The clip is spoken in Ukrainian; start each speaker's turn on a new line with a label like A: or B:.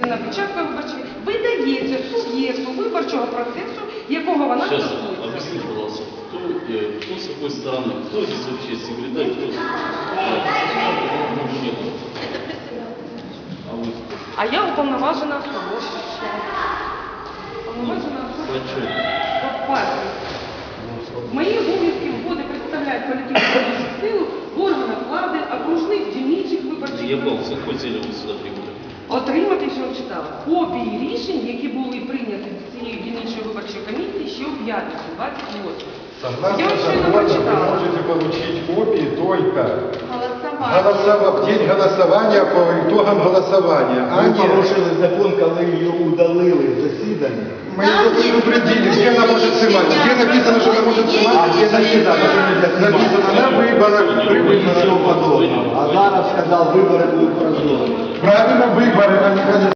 A: на печатку виборчої видається суб'єкту виборчого процесу, якого вона
B: Сейчас,
A: стосується.
B: объясните, пожалуйста, кто с какой стороны, кто здесь вообще секретарь, кто А вы кто?
A: А я уповноважена особа. Уповноважена особа
B: Зачем?
A: по партії. Мої обов'язки вводи представляють політичну силу в органах влади, окружних дільничих виборчих
B: Я был, с какой целью вы сюда прибыли?
A: отримати, що читала, копії рішень, які були прийняті цією дільничою виборчою комісією ще у п'ятницю, 28.
C: Согласно
A: Я вообще не
C: закону, вы
A: прочитала.
C: можете получить копии только
A: Голосование.
C: в день голосования по итогам голосования, а
D: Ви
C: не...
D: порушили закон, коли її удалили з засідання.
C: Мы ее предупредили, где она может снимать, где написано, что она может снимать,
D: А где написано, що нельзя знімати?
C: написано на выборах, при
D: Нічого
C: выборах.
D: подобного. А зараз сказав, вибори будуть прозорі.
C: Правильно, выборы, а не